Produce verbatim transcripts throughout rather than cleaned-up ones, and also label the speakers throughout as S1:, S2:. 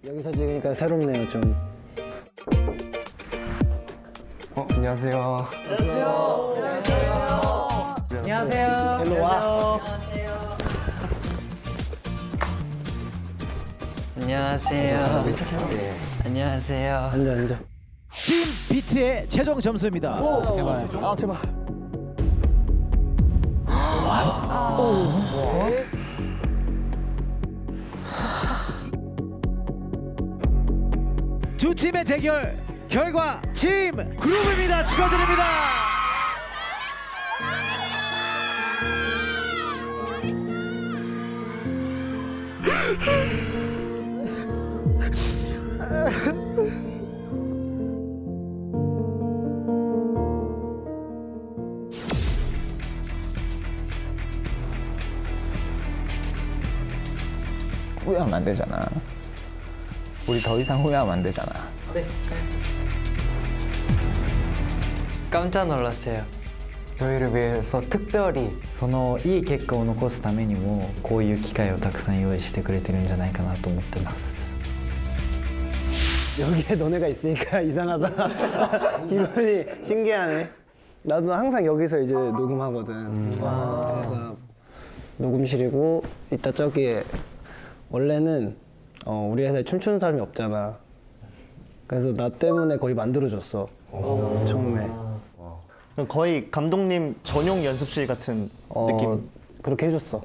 S1: 여기서 찍으니까 새롭네요 좀.
S2: 어, 안녕하세요.
S3: 안녕하세요.
S1: 일로 와.
S3: 안녕하세요. 안녕하세요.
S1: 앉아 앉아.
S4: 팀 비트의 최종 점수입니다. 제발.
S1: 아 제발.
S4: 두 팀의 대결 결과 팀 그룹입니다. 축하드립니다.
S2: 후회하면 안 되잖아. 우리 더 이상 후회하면 안 되잖아.
S3: 깜짝 놀랐어요.
S2: 저희를 위해서 특별히
S5: そのいい結果を残すためにもこういう機会をたくさん用意してくれてるんじゃないかなと思ってます。
S1: 여기에 너네가 있으니까 이상하다. 기분이 신기하네. 나도 항상 여기서 이제 녹음하거든. 음. 여기가 녹음실이고 이따 저기에 원래는 어, 우리 회사에 춤추는 사람이 없잖아. 그래서 나 때문에 거의 만들어줬어. 처음에.
S6: 거의 감독님 전용 연습실 같은
S1: 어,
S6: 느낌.
S1: 그렇게 해줬어.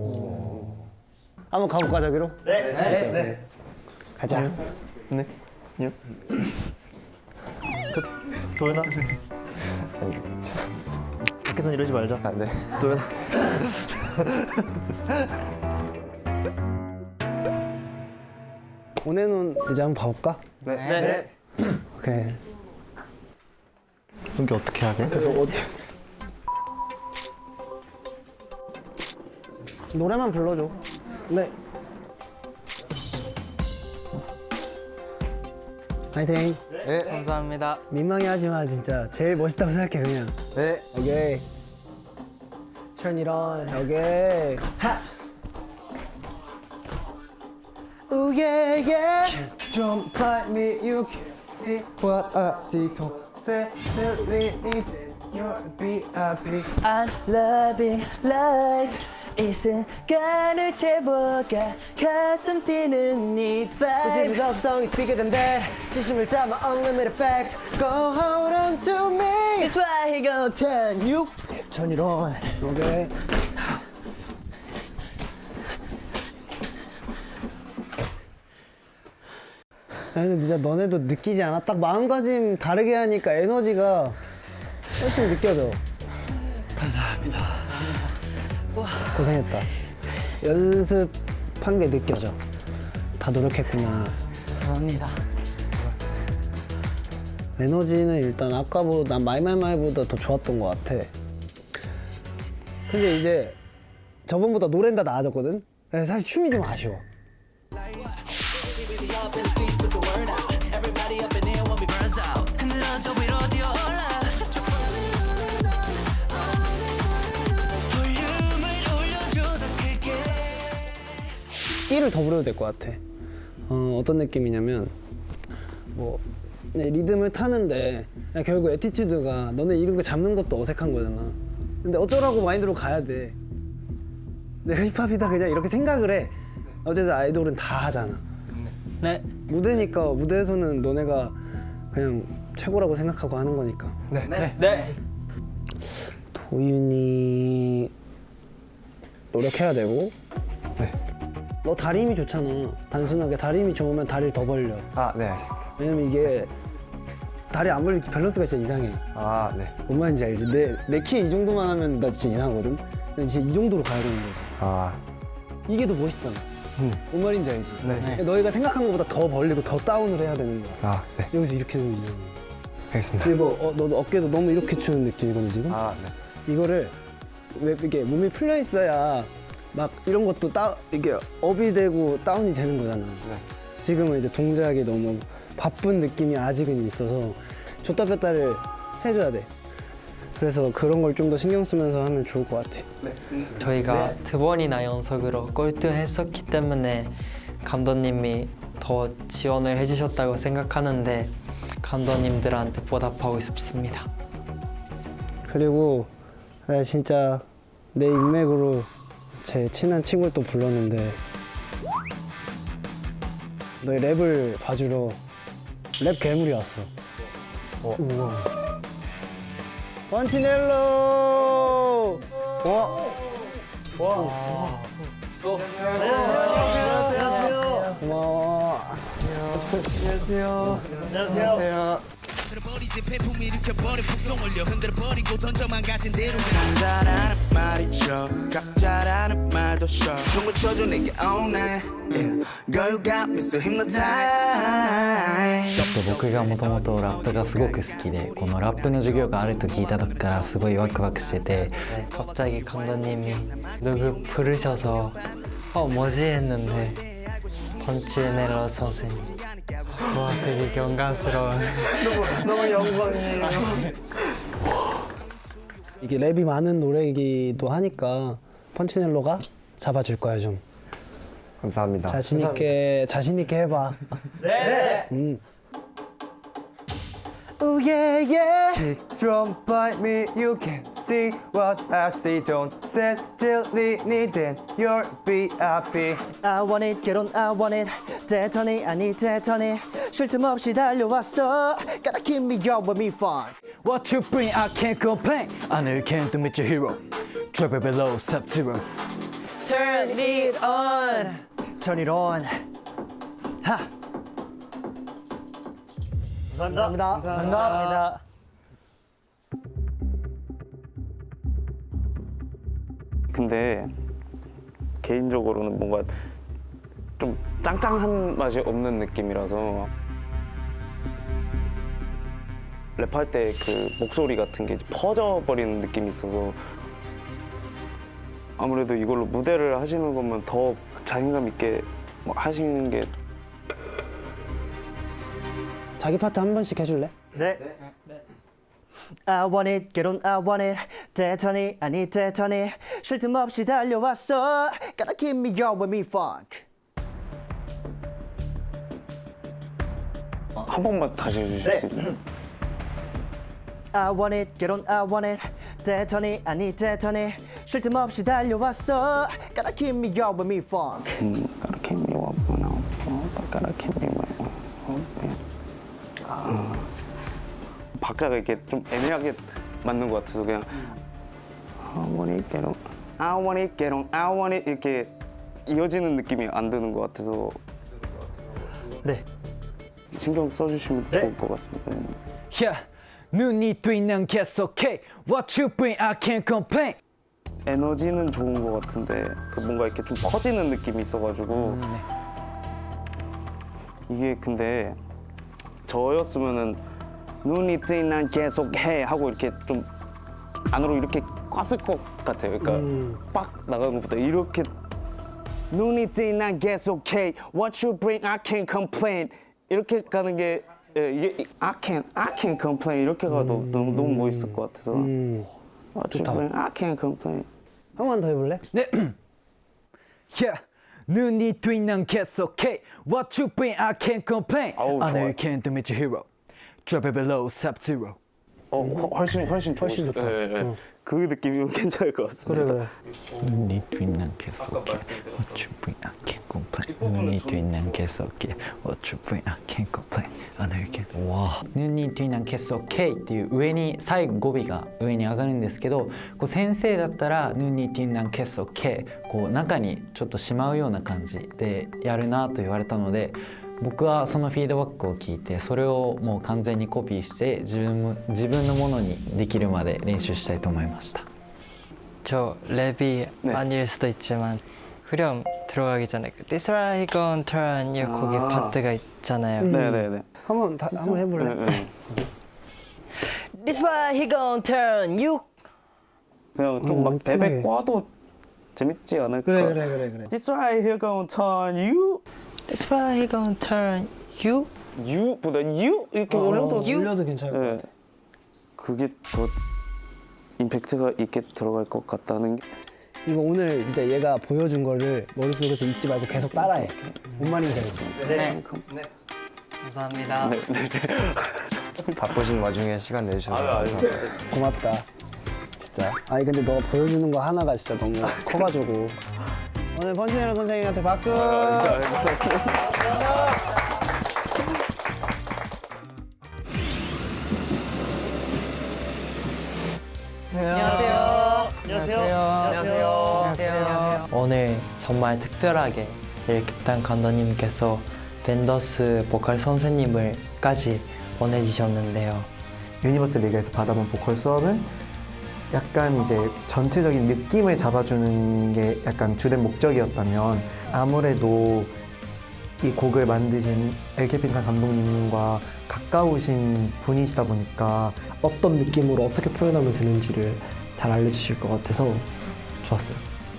S1: 한번 가볼까 저기로? 네. 네. 네. 가자.
S6: 네. 요. 그, 도현아. 밖에선 이러지 말자.
S2: 아, 네.
S6: 도현아.
S1: 오늘은 이제 한번 봐볼까?
S2: 네.
S3: 네.
S1: 오케이.
S6: 여기 어떻게 하게?
S1: 그래서 어떻게? 노래만 불러줘. 네. 파이팅.
S2: 네.
S3: 감사합니다.
S1: 민망해하지 마 진짜. 제일 멋있다고 생각해 그냥.
S2: 네.
S1: 오케이. Turn it on. 오케이. 하. Ooh yeah yeah.
S6: Jump like me, you can see what I see. Don't say silly, you're B I B.
S7: I'm loving life 이 순간을 채워가 가슴 뛰는 네
S1: This
S7: vibe
S1: love song is bigger than that. 진심을 담아 unlimited facts. Go hold on to me.
S7: That's why he gon' turn you
S6: Turn it on.
S1: 오케이. 아니 근데 진짜 너네도 느끼지 않아? 딱 마음가짐 다르게 하니까 에너지가 훨씬 느껴져. 감사합니다. 고생했다. 연습한 게 느껴져. 다 노력했구나.
S7: 감사합니다.
S1: 에너지는 일단 아까보다 난 마이마이마이보다 더 좋았던 것 같아. 근데 이제 저번보다 노래는 다 나아졌거든? 근데 사실 춤이 좀 아쉬워. 끼를 더 부려도 될 것 같아. 어, 어떤 느낌이냐면 뭐 네, 리듬을 타는데 그냥 결국 애티튜드가 너네 이런 거 잡는 것도 어색한 거잖아. 근데 어쩌라고 마인드로 가야 돼. 내가 힙합이다 그냥 이렇게 생각을 해. 어쨌든 아이돌은 다 하잖아.
S3: 네.
S1: 무대니까 무대에서는 너네가 그냥 최고라고 생각하고 하는 거니까.
S2: 네.
S3: 네. 네.
S1: 도윤이 노력해야 되고.
S2: 네.
S1: 너 다리 힘이 좋잖아. 단순하게 다리 힘이 좋으면 다리를 더 벌려.
S2: 아, 네, 알겠습니다.
S1: 왜냐면 이게 다리 안 벌릴 때 밸런스가 진짜 이상해.
S2: 아, 네.
S1: 뭔 말인지 알지? 내, 내 키 이 정도만 하면 나 진짜 이상하거든? 근데 진짜 이 정도로 가야 되는 거지.
S2: 아,
S1: 이게 더 멋있잖아.
S2: 음.
S1: 뭔 말인지 알지?
S2: 네.
S1: 너희가 생각한 것보다 더 벌리고 더 다운을 해야 되는 거야.
S2: 아, 네.
S1: 여기서 이렇게 되면 이상해.
S2: 알겠습니다.
S1: 그리고 어, 너도 어깨도 너무 이렇게 추는 느낌이거든 지금?
S2: 아, 네.
S1: 이거를 왜 이게 몸이 풀려 있어야 막 이런 것도 따, 이게 업이 되고 다운이 되는 거잖아.
S2: 네.
S1: 지금은 이제 동작이 너무 바쁜 느낌이 아직은 있어서 줬다 뺐다를 해줘야 돼. 그래서 그런 걸 좀 더 신경 쓰면서 하면 좋을 것 같아.
S3: 저희가 두 번이나 연속으로 꼴등했었기 때문에 감독님이 더 지원을 해주셨다고 생각하는데 감독님들한테 보답하고 싶습니다.
S1: 그리고 나 진짜 내 인맥으로 제 친한 친구를 또 불렀는데 너희 랩을 봐주러 랩 괴물이 왔어. 우와. 번치넬로. 와. 와. 안녕하세요. 고마워. 안녕하세요. 안녕하세요.
S8: 남자라는 말이 셔 각자라는 말도 셔 춤을 춰줘 내게 all night yeah. Girl you got me so hypnotized
S5: 僕がもともとラップがすごく好きでこのラップの授業があると聞いた時からすごいワクワクしてて
S3: 갑자기 감독님이 누구 부르셔서 어 뭐지 했는데 번치넬로 선생님. 와 되게 영광스러운.
S7: 너무 영광이에요.
S1: 이게 랩이 많은 노래이기도 하니까 펀치넬로가 잡아줄 거야 좀.
S6: 감사합니다.
S1: 자신 있게 자신 있게 해봐. 네. 음.
S6: Oh yeah yeah. Kick drum bite me, you can see what I see. Don't sit till need then you're B I B.
S7: I want it, get on, I want it. 대턴이 아니 대턴이 쉴 틈 없이 달려왔어. Gotta keep me up with me fun.
S5: What you bring I can't complain I know you can't meet your hero Drop it below sub zero
S7: Turn it on. Turn it on. 하. 감사합니다. 감사합니다.
S9: 근데 개인적으로는 뭔가 좀 짱짱한 맛이 없는 느낌이라서 랩할 때 그 목소리 같은 게 이제 퍼져버리는 느낌이 있어서 아무래도 이걸로 무대를 하시는 거면 더 자신감 있게 뭐 하시는 게
S1: 자기 파트 한 번씩 해줄래?
S7: 네. I want it, get on, I want it. 대턴이 아니 대턴이 쉴 틈 없이 달려왔어. Gotta keep me up with me funk.
S9: 한 번만 다시 해주실 수 있나요?
S7: I want it, get on, I want it. 대턴이 아니 대턴이 쉴 틈 없이 달려왔어. Gotta keep me up with me funk.
S9: 음, gotta keep me up when I'm up. Gotta keep me up. 아. 박자가 이렇게 좀 애매하게 맞는 것 같아서 그냥 I want it, get on, I want it, get on, I want it 이렇게 이어지는 느낌이 안 드는 것 같아서
S7: 네.
S9: 신경 써주시면 좋을 것 같습니다.
S5: Yeah 눈이 뜨이는 계속해 What you bring I can't complain
S9: 에너지는 좋은 것 같은데 그 뭔가 이렇게 좀 퍼지는 느낌이 있어가지고 이게 근데 저였으면은 눈이 뜨이는 계속해 하고 이렇게 좀 안으로 이렇게 꼈을 것 같아요. 그러니까 빡 나가는 것보다 이렇게 눈이 뜨이는 계속해 What you bring I can't complain 이렇게 가는 게 예, 이게 I can't I can't complain 이렇게 가도
S1: 음.
S9: 너무 너무 멋있을 것 같아서
S1: 음.
S9: What you bring I can't complain
S1: 한 번 더 해볼래?
S5: 네. Yeah 눈이 뜨이는 계속해 What you bring I can't complain
S9: 아우,
S5: I know
S9: 좋아요.
S5: you can't meet your hero Drop it below sub zero
S9: 어 훨- 훨씬 훨씬
S1: 훨씬
S9: 좋으시-
S1: 좋다.
S9: 예, 예.
S1: 어.
S9: 그 느낌이면 괜찮을 것
S1: 그래
S9: 같습니다.
S1: 그래.
S5: 눈이 뜨이는 계속해 What you bring I can't complain 눈이 뜨이는 계속해 What you bring I can't complain I know you can't わ눈이 뜨이는 계속해っていう上に最後語尾が上に上がるんですけどこう先生だったら눈이 뜨이는 계속해こう中にちょっとしまうような感じでやるなと言われたので僕はそのフィードバックを聞いてそれをもう完全にコピーして自分も自分のものにできるまで練習したいと思いました
S3: 저 랩이
S9: 네.
S3: 아닐 수도 있지만 후렴 들어가기 전에 그 This right gon' turn you 거기
S9: 아.
S3: 파트가 있잖아요.
S9: 네네네.
S1: 한번 다 한번 해볼래?
S9: 네, 네.
S7: This why he gon' turn you.
S9: 그냥 좀
S1: 음,
S9: 막
S1: 편하게.
S9: 베베 꽈도 재밌지 않을까?
S1: 그래 그래 그래 그래.
S9: This right here gonna turn you,
S3: This right he gon' turn you.
S9: you보다 you 이렇게
S1: 어,
S9: 올려도
S1: 올려도 괜찮을 것
S9: 네.
S1: 같아.
S9: 그게 더 임팩트가 있게 들어갈 것 같다는 게
S1: 이거 오늘 진짜 얘가 보여준 거를 머릿속에서 잊지 말고 계속 따라해. 뭔 말인지 알지?
S3: 네. 감사합니다.
S6: 바쁘신 와중에 시간 내주셔서
S1: 고맙다. 진짜. 아니 근데 너가 보여주는 거 하나가 진짜 너무 커가지고. 오늘 펀치네로 선생님한테 박수.
S3: 안녕하세요. 안녕하세요. 오늘 정말 특별하게 일캡탄 감독님께서 벤더스 보컬 선생님을까지 보내주셨는데요.
S6: 유니버스 리그에서 받아본 보컬 수업은 약간 이제 전체적인 느낌을 잡아주는 게 약간 주된 목적이었다면 아무래도 이 곡을 만드신 엘케핀탄 감독님과 가까우신 분이시다 보니까
S1: 어떤 느낌으로 어떻게 표현하면 되는지를 잘 알려주실 것 같아서 좋았어요.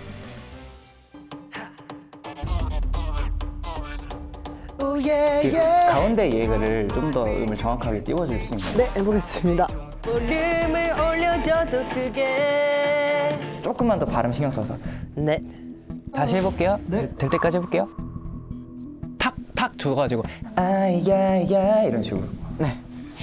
S2: 가운데 예그를 좀 더 음을 정확하게 띄워줄 수 있나요?
S1: 네, 해보겠습니다.
S3: 볼륨을 올려줘도 그게
S2: 조금만 더 발음 신경 써서.
S3: 네.
S2: 다시 해볼게요. 네. 될 때까지 해볼게요. 탁탁 줘가지고 아야야 이런 식으로. 네.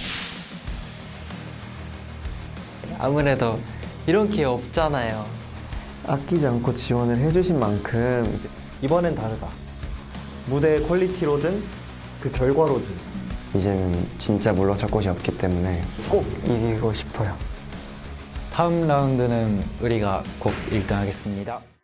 S3: 아무래도 이런 기회 없잖아요.
S6: 아끼지 않고 지원을 해주신 만큼 이제 이번엔 다르다. 무대 퀄리티로든 그 결과로든 이제는 진짜 물러설 곳이 없기 때문에 꼭 이기고 싶어요.
S5: 다음 라운드는 우리가 꼭 일 등 하겠습니다.